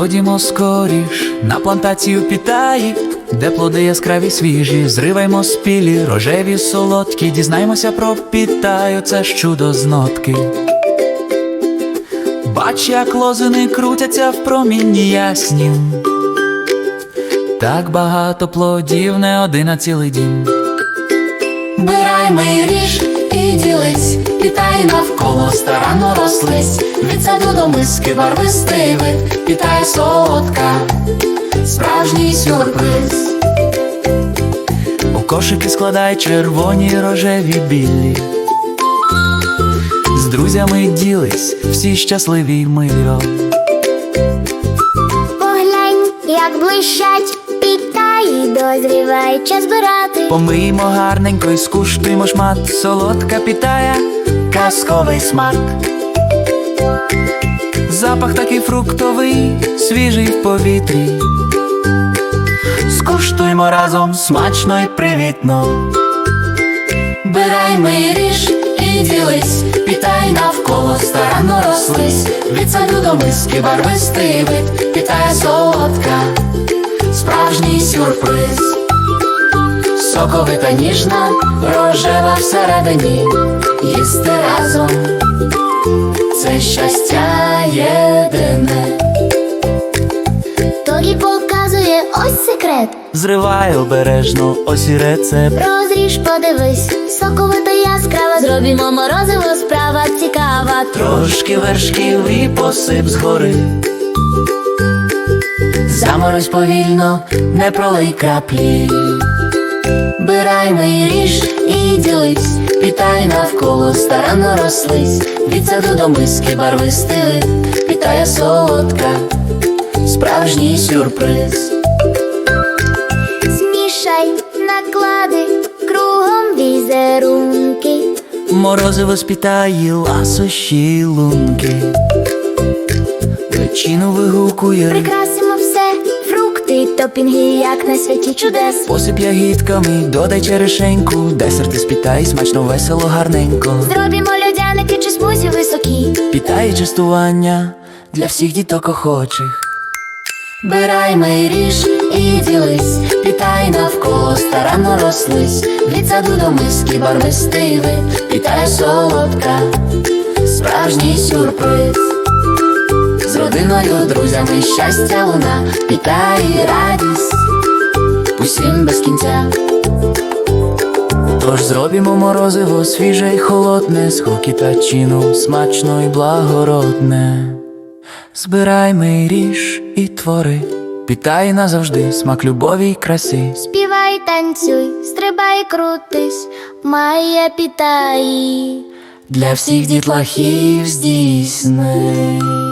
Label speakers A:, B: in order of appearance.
A: Ходімо скоріш на плантацію Пітаї, де плоди яскраві свіжі, зриваймо спілі, рожеві солодкі, дізнаймося про Пітаю, це ж чудо з нотки. Бач, як лозини крутяться в промінні яснім, так багато плодів, не один, а цілий дім.
B: Бираймо й ріж і ділись, Пітаї навколо старанно рослись. Від саду до миски барвистий вид, Пітає солодка, справжній сюрприз.
A: У кошики складай червоні, рожеві, білі. З друзями ділись, всі щасливі й миро.
C: Поглянь, як блищать Пітаї, дозріває час збирати.
A: Помиймо гарненько і скуштуймо шмат, солодка Пітая, казковий смак. Запах такий фруктовий, свіжий в повітрі. Скуштуймо разом, смачно й привітно.
B: Бираймо й ріж і ділись, Пітаї навколо старанно рослись. Від саду до миски барвистий вид, Пітає солодка, справжній сюрприз. Соковита, ніжна, рожева всередині, їсти разом це щастя єдине.
C: Тоді показує ось секрет.
A: Зривай обережно, ось і рецепт.
C: Розріж, подивись, соковита яскрава. Зробімо морозиво, справа цікава.
A: Трошки вершків і посип згори.
B: Заморозь повільно, не пролий краплі. Бираймо й ріж і ділись, Пітаї навколо старанно рослись. Від саду до миски барвистий вид, Пітає солодка, справжній сюрприз.
C: Змішай, наклади кругом візерунки.
A: Морозиво з Пітаї, ласощі й лунки. Печіну вигукує,
C: Прикрасимо все, фрукти, топінги, як на святі чудес.
A: посип ягідками, додай черешеньку. Десерти з Пітаї, смачно, весело, гарненько.
C: Зробімо льодяники чи смузі високі.
A: Пітаї частування для всіх діток охочих.
B: Бираймо й ріж і ділись, Пітаї навколо старанно рослись. Від саду до миски барвистий вид, Пітає солодка, справжній сюрприз. З родиною, друзями щастя луна, Пітаї радість усім без кінця.
A: Тож зробімо морозиво свіже й холодне, з хокітачину, смачно й благородне. Збираймо й ріж і твори, Пітаї назавжди, смак любові й краси.
C: Співай, танцюй, стрибай, крутись, має Пітаї.
A: Для всіх дітлахів здійсни.